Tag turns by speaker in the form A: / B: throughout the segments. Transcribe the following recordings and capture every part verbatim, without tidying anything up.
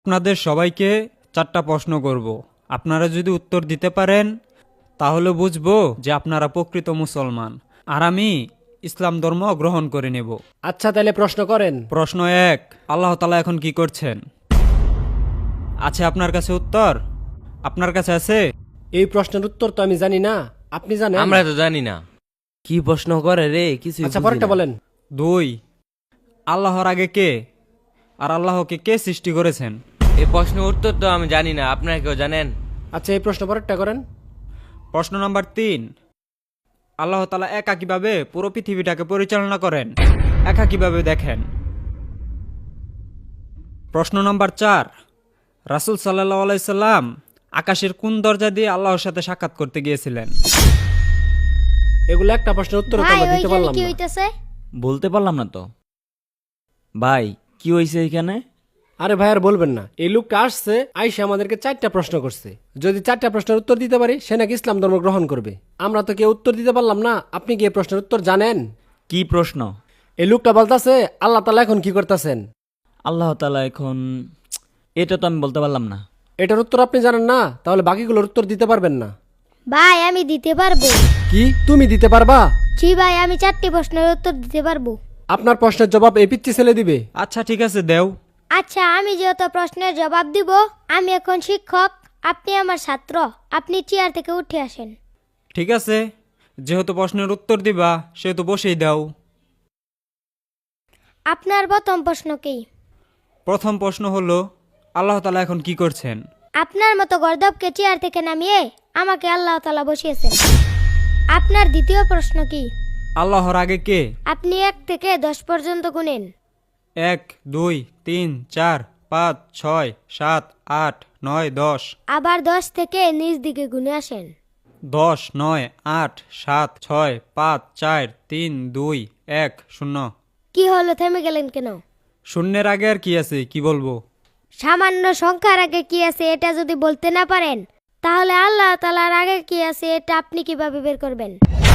A: আপনাদের সবাইকে চারটা প্রশ্ন করব। আপনারা যদি উত্তর দিতে পারেন তাহলে বুঝবো যে আপনারা প্রকৃত মুসলমান, আর আমি ইসলাম ধর্ম গ্রহণ করে নেব।
B: আচ্ছা তাহলে প্রশ্ন করেন।
A: প্রশ্ন এক, আল্লাহ তাআলা এখন কি করছেন? আছে আপনার কাছে উত্তর? আপনার কাছে আছে?
B: এই প্রশ্নের উত্তর তো আমি জানি না, আপনি জানেন?
C: আমরা তো জানি না কি প্রশ্ন করে রে, কিছু
B: আচ্ছা পরেরটা বলেন।
A: দুই, আল্লাহর আগে কে আর আল্লাহকে কে সৃষ্টি করেছেন?
C: এই প্রশ্নের উত্তর তো আমি জানি না, আপনারা কেউ জানেন?
B: আচ্ছা এই প্রশ্ন পরেরটা করেন।
A: প্রশ্ন নাম্বার তিন, আল্লাহ তাআলা একা কিভাবে পুরো পৃথিবীটাকে পরিচালনা করেন, একা কিভাবে দেখেন? প্রশ্ন নাম্বার চার, রাসূল সাল্লাল্লাহু আলাইহি সাল্লাম আকাশের কোন দরজা দিয়ে আল্লাহর সাথে সাক্ষাৎ করতে গিয়েছিলেন?
B: এগুলো একটা প্রশ্নের উত্তর তো
D: ভাই
B: আমরা দিতে
D: ওইখানে
B: পারলাম
D: কি
B: না।
D: হইতাছে?
E: বলতে পারলাম না তো ভাই, কি হয়েছে এখানে?
B: আরে ভাই আর বলবেন না, এই লোকটা আসছে আইসা আমাদেরকে চারটা প্রশ্ন করছে। যদি চারটা প্রশ্নের উত্তর দিতে পারি সে নাকি ইসলাম ধর্ম গ্রহণ করবে। আমরা তো কেউ উত্তর দিতে পারলাম না। আপনি কি এই প্রশ্নের উত্তর জানেন?
E: কি প্রশ্ন?
B: এই লোকটা বলতাছে আল্লাহ তাআলা এখন কি করতেছেন।
E: আল্লাহ তাআলা এখন, এটা তো আমি বলতে পারলাম না।
B: এটার উত্তর আপনি জানেন না, তাহলে বাকিগুলোর উত্তর দিতে পারবেন না।
D: ভাই আমি দিতে পারবো।
B: কি তুমি দিতে পারবা?
D: জি ভাই, আমি চারটি প্রশ্নের উত্তর দিতে পারবো।
B: আপনার প্রশ্নের জবাব এই পিচ্চি ছেলে দিবে।
A: আচ্ছা ঠিক আছে, দেও।
D: আচ্ছা, আমি যেহেতু প্রশ্নের জবাব দিব, আমি এখন শিক্ষক, আপনি আমার ছাত্র, আপনি চেয়ার থেকে উঠে আসেন।
A: ঠিক আছে, যেহেতু প্রশ্নের উত্তর দিবা সেহেতু বসেই দাও।
D: আপনার প্রথম প্রশ্ন কি?
A: প্রথম প্রশ্ন হলো, আল্লাহ তাআলা এখন কি করছেন?
D: আপনার মতো গর্দবকে চেয়ার থেকে নামিয়ে আমাকে আল্লাহ তাআলা বসিয়েছেন। আপনার দ্বিতীয় প্রশ্ন কি?
A: আল্লাহর আগে কে?
D: আপনি এক থেকে দশ পর্যন্ত গুনেন।
A: এক, দুই, তিন, চার, পাঁচ, ছয়, সাত, আট, নয়, দশ।
D: আবার দশ থেকে নিচ দিকে গুনে আসেন।
A: দশ, নয়, আট, সাত, ছয়, পাঁচ, চার, তিন, দুই, এক, শূন্য।
D: কি হলো, থেমে গেলেন কেন?
A: শূন্যের আগে আর কি আছে, কি বলবো?
D: সামান্য সংখ্যার আগে কি আছে এটা যদি বলতে না পারেন, তাহলে আল্লাহ তাআলার আগে কি আছে এটা আপনি কিভাবে বের করবেন?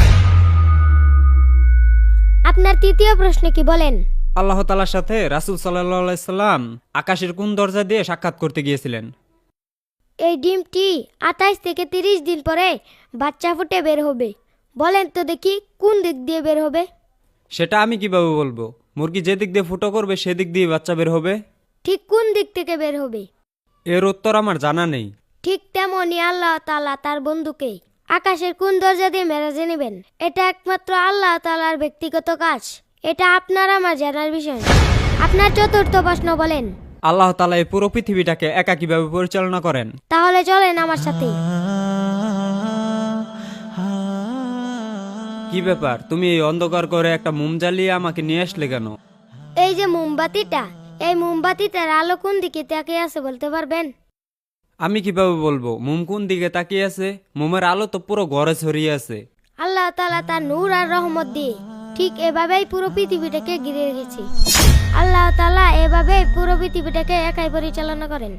D: আপনার তৃতীয় প্রশ্ন কি বলেন?
A: আল্লাহ তাআলার সাথে রাসূল সাল্লাল্লাহু আলাইহি সাল্লাম আকাশের কোন দরজা দিয়ে সাক্ষাৎ করতে গিয়েছিলেন?
D: এই ডিমটি আঠাইশ থেকে তিরিশ দিন পরে বাচ্চা ফুটে বের হবে। বলেন তো দেখি কোন দিক দিয়ে বের হবে?
A: সেটা আমি কিভাবে বলবো? মুরগি যে দিক দিয়ে ফুটো করবে সেদিক দিয়ে বাচ্চা বের হবে।
D: ঠিক কোন দিক থেকে বের হবে?
A: এর উত্তর আমার জানা নেই।
D: ঠিক তেমনই আল্লাহ তাআলা তার বন্ধুকে আকাশের কোন দরজা দিয়ে মেরাজে নেবেন, এটা একমাত্র আল্লাহ তাআলার ব্যক্তিগত কাজ। এটা আপনার আমার জানার বিষয় না। আপনার চতুর্থ প্রশ্ন বলেন।
A: আল্লাহ তাআলা এই পুরো পৃথিবীটাকে একা কিভাবে পরিচালনা করেন?
D: তাহলে চলেন আমার সাথে।
A: কি ব্যাপার, তুমি এই অন্ধকার করে একটা মোম জ্বালিয়ে আমাকে নিয়ে আসলে কেন?
D: এই যে মোমবাতিটা, এই মোমবাতিটার আলো কোন দিকে তাকিয়ে আছে বলতে পারবেন?
A: আমি কিভাবে বলবো মোম কোন দিকে তাকিয়ে আছে? মোমের আলো তো পুরো ঘরে ছড়িয়ে আছে।
D: আল্লাহ তাআলা তার নূর আর রহমত দিয়ে ঠিক এভাবেই পুরো পৃথিবীটাকে ঘিরে রেখেছে। আল্লাহ তাআলা এভাবেই পুরো পৃথিবীটাকে একাই পরিচালনা করেন।